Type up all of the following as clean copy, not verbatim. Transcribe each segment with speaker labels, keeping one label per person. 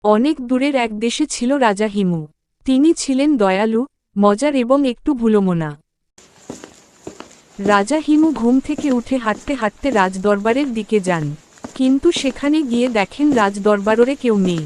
Speaker 1: অনেক দূরের এক দেশে ছিল রাজা হিমু। তিনি ছিলেন দয়ালু, মজার এবং একটু ভুলোমনা। রাজা হিমু ঘুম থেকে উঠে হাঁটতে হাঁটতে রাজদরবারের দিকে যান, কিন্তু সেখানে গিয়ে দেখেন রাজদরবারে কেউ নেই।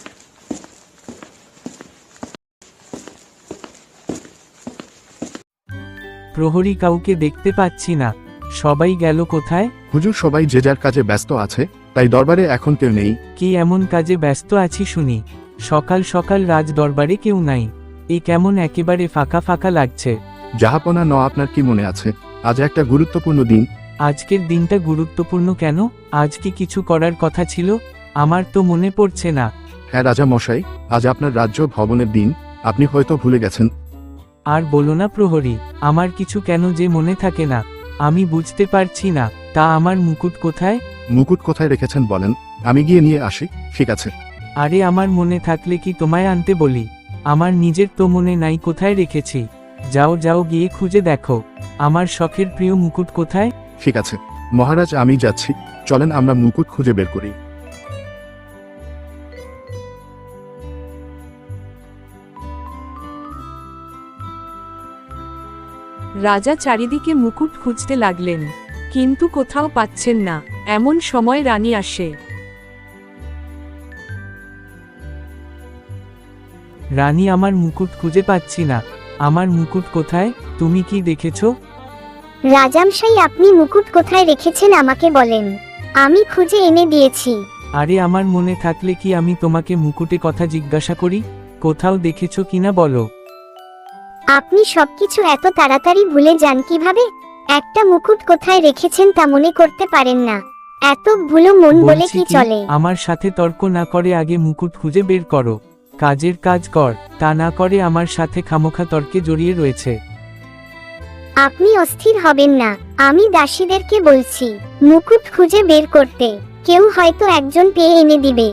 Speaker 2: প্রহরী কাউকে দেখতে পাচ্ছি না, সবাই গেল কোথায়?
Speaker 3: হুজুর, সবাই যে যার কাজে ব্যস্ত আছে, তাই দরবারে এখন কেউ নেই।
Speaker 2: কি এমন কাজে ব্যস্ত আছি শুনি? সকাল সকাল রাজ দরবারে কেউ নাই, এ কেমন একেবারে ফাঁকা ফাঁকা লাগছে।
Speaker 3: জাহাপনা ন, আপনার কি মনে আছে আজ একটা গুরুত্বপূর্ণ দিন?
Speaker 2: আজকের দিনটা গুরুত্বপূর্ণ কেন? আজ কি কিছু করার কথা ছিল? আমার তো মনে পড়ছে না।
Speaker 3: হ্যাঁ রাজা মশাই, আজ আপনার রাজ্য ভবনের দিন, আপনি হয়তো ভুলে গেছেন।
Speaker 2: আর বলো না প্রহরী, আমার কিছু কেন যে মনে থাকে না, আমি বুঝতে পারছি না। তা আমার মুকুট কোথায়?
Speaker 3: মুকুট কোথায় রেখেছেন বলেন, আমি গিয়ে নিয়ে আসি। ঠিক আছে।
Speaker 2: আরে আমার মনে থাকলে কি তোমায় আনতে বলি? আমার নিজের তো মনে নাই কোথায় রেখেছি। যাও যাও গিয়ে খুঁজে দেখো, আমার শখের প্রিয় মুকুট কোথায়।
Speaker 3: ঠিক আছে মহারাজ, আমি যাচ্ছি। চলেন আমরা মুকুট খুঁজে বের করি।
Speaker 1: রাজা চারিদিকে মুকুট খুঁজতে লাগলেন, কিন্তু কোথাও পাচ্ছেন না। এমন সময় রানী আসে।
Speaker 2: রানী, আমার মুকুট খুঁজে পাচ্ছি না। আমার মুকুট কোথায়? তুমি কি দেখেছো?
Speaker 4: রাজামশাই, আপনি মুকুট কোথায় রেখেছেন আমাকে বলেন, আমি খুঁজে এনে দিয়েছি।
Speaker 2: আরে আমার মনে থাকলে কি আমি তোমাকে মুকুটে কথা জিজ্ঞাসা করি? কোথাও দেখেছো কিনা বলো।
Speaker 4: আপনি সবকিছু এত তাড়াতাড়ি ভুলে যান কিভাবে? একটা মুকুট কোথায় রেখেছেন তা মনে করতে পারেন না? এত ভুলো মন বলে
Speaker 2: বলছি
Speaker 4: কি
Speaker 2: কি,
Speaker 4: চলে?
Speaker 2: আমার সাথে তর্ক না করে আগে মুকুট খুঁজে বের করো। কাজের কাজ কর, তা না করে আমার সাথে খামোখা তর্কে জড়িয়ে রয়েছে।
Speaker 4: আপনি অস্থির হবেন না, আমি দাসীদেরকে বলছি মুকুট খুঁজে বের করতে, কেউ হয়তো একজন পেয়ে এনে দিবে।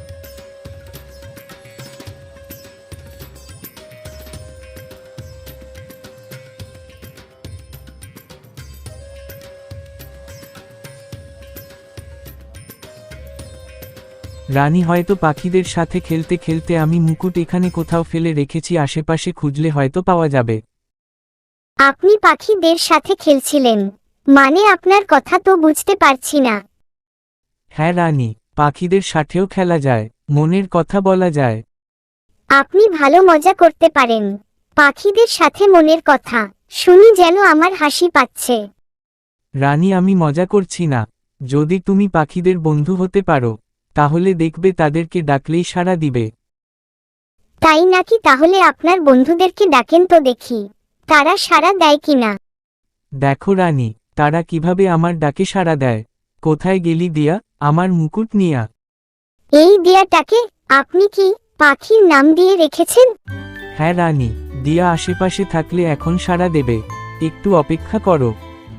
Speaker 2: রানী, হয়তো পাখিদের সাথে খেলতে খেলতে আমি মুকুট এখানে কোথাও ফেলে রেখেছি, আশেপাশে খুঁজলে হয়তো পাওয়া যাবে।
Speaker 4: আপনি পাখিদের সাথে খেলছিলেন মানে? আপনার কথা তো বুঝতে পারছি না।
Speaker 2: হ্যাঁ রানী, পাখিদের সাথেও খেলা যায়, মনের কথা বলা যায়।
Speaker 4: আপনি ভালো মজা করতে পারেন। পাখিদের সাথে মনের কথা শুনি যেন আমার হাসি পাচ্ছে।
Speaker 2: রানী, আমি মজা করছি না। যদি তুমি পাখিদের বন্ধু হতে পারো, তাহলে দেখবে তাদেরকে ডাকলেই সাড়া দিবে।
Speaker 4: তাই নাকি? তাহলে আপনার বন্ধুদেরকে ডাকেন তো দেখি, তারা সাড়া দেয় কিনা।
Speaker 2: দেখো রানী, তারা কিভাবে আমার ডাকে সাড়া দেয়। কোথায় গেলি দিয়া, আমার মুকুট নিয়া?
Speaker 4: এই দিয়াটাকে আপনি কি পাখির নাম দিয়ে রেখেছেন?
Speaker 2: হ্যাঁ রানী, দিয়া আশেপাশে থাকলে এখন সাড়া দেবে, একটু অপেক্ষা করো।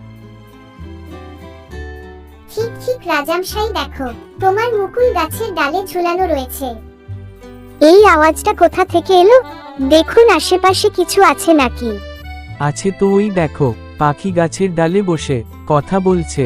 Speaker 4: ঠিক ঠিক রাজামশাই, দেখো তোমার মুকুল গাছের ডালে ঝুলানো রয়েছে। এই আওয়াজটা কোথা থেকে এলো? দেখুন আশেপাশে কিছু আছে নাকি।
Speaker 2: আছে তো, ওই দেখো, পাখি গাছের ডালে বসে কথা বলছে।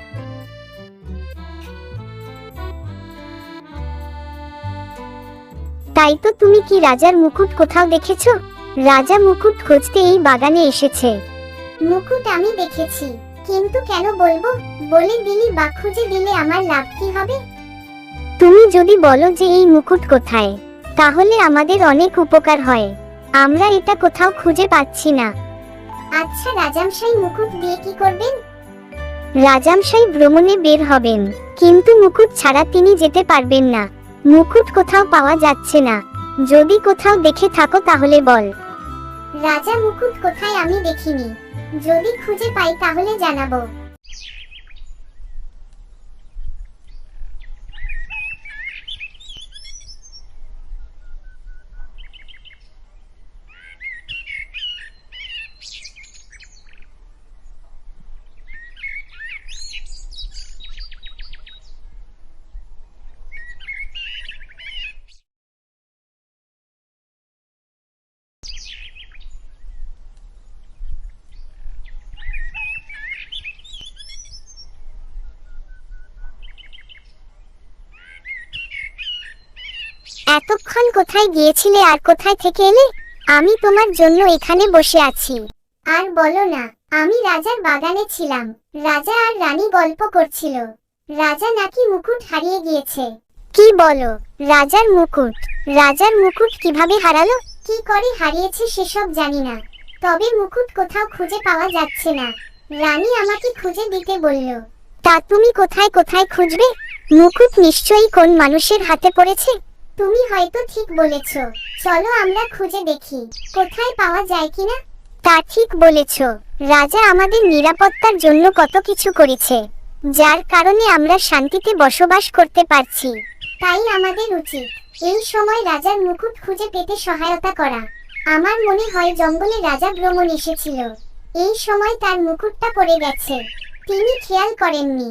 Speaker 4: তাই তো। তুমি কি রাজার মুকুট কোথাও দেখেছো? রাজা মুকুট খুঁজতে এই বাগানে এসেছে। মুকুট আমি দেখেছি, কিন্তু কেন বলবো? বলে দিলি বা খুঁজে দিলে আমার লাভ কি হবে? তুমি যদি বলো যে এই মুকুট কোথায়, তাহলে আমাদের অনেক উপকার হয়। আমরা এটা কোথাও খুঁজে পাচ্ছি না। আচ্ছা রাজামশাই, মুকুট দিয়ে কি করবেন? রাজামশাই ভ্রমণে বের হবেন, কিন্তু মুকুট ছাড়া তিনি যেতে পারবেন না। মুকুট কোথাও পাওয়া যাচ্ছে না। যদি কোথাও দেখে থাকো তাহলে বল। রাজা, মুকুট কোথায় আমি দেখিনি, যদি খুঁজে পাই তাহলে জানাবো। এতক্ষণ কোথায় গিয়েছিলে আর কোথায় থেকে এলে? আমি তোমার জন্য এখানে বসে আছি। আর বলো না, আমি রাজার বাগানে ছিলাম। রাজা আর রানী গল্প করছিল। রাজা নাকি মুকুট হারিয়ে গিয়েছে। কি বলো? রাজার মুকুট? রাজার মুকুট কিভাবে হারালো? কি করে হারিয়েছে সেসব জানি না, তবে মুকুট কোথাও খুঁজে পাওয়া যাচ্ছে না। রানী আমাকে খুঁজে দিতে বলল। তা তুমি কোথায় কোথায় খুঁজবে? মুকুট নিশ্চয়ই কোন মানুষের হাতে পড়েছে। তুমি হয়তো ঠিক বলেছ। চলো আমরা খুঁজে দেখি কোথায় পাওয়া যায় কিনা। তা ঠিক বলেছ। রাজা আমাদের নিরাপত্তার জন্য কত কিছু করেছে, যার কারণে আমরা শান্তিতে বসবাস করতে পারছি। তাই আমাদের উচিত এই সময় রাজার মুকুট খুঁজে পেতে সহায়তা করা। আমার মনে হয় জঙ্গলে রাজা ভ্রমণ এসেছিল, এই সময় তার মুকুটটা পড়ে গেছে, তিনি খেয়াল করেননি।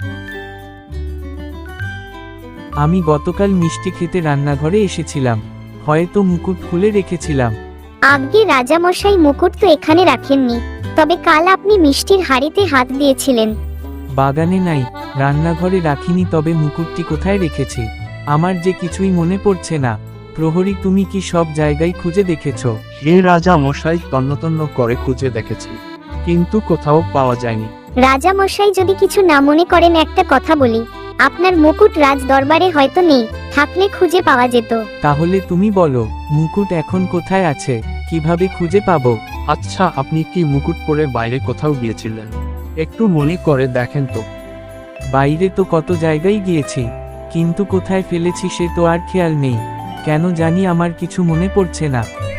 Speaker 2: আমি গতকাল মিষ্টি খেতে রান্নাঘরে এসেছিলাম, হয়তো মুকুট খুলে রেখেছিলাম।
Speaker 4: আগে রাজামশাই মুকুট তো এখানে রাখেননি, তবে কাল আপনি মিষ্টির হাড়িতে হাত দিয়েছিলেন।
Speaker 2: বাগানে নাই, রান্নাঘরে রাখিনি, তবে মুকুটটি কোথায় রেখেছি আমার যে কিছুই মনে পড়ছে না। প্রহরী, তুমি কি সব জায়গায় খুঁজে দেখেছো?
Speaker 5: হে রাজা মশাই, তন্ন করে খুঁজে দেখেছি, কিন্তু কোথাও পাওয়া যায়নি।
Speaker 4: রাজামশাই যদি কিছু না মনে করেন একটা কথা বলি, আপনার মুকুট রাজ দরবারে হয়তো নেই, থাকলে খুঁজে পাওয়া যেত।
Speaker 2: তাহলে তুমি বলো, মুকুট এখন কোথায় আছে, কিভাবে খুঁজে পাবো?
Speaker 5: আচ্ছা, আপনি কি মুকুট পরে বাইরে কোথাও গিয়েছিলেন? একটু মনে করে দেখেন তো।
Speaker 2: বাইরে তো কত জায়গায় গিয়েছি, কিন্তু কোথায় ফেলেছি সে তো আর খেয়াল নেই। কেন জানি আমার কিছু মনে পড়ছে না।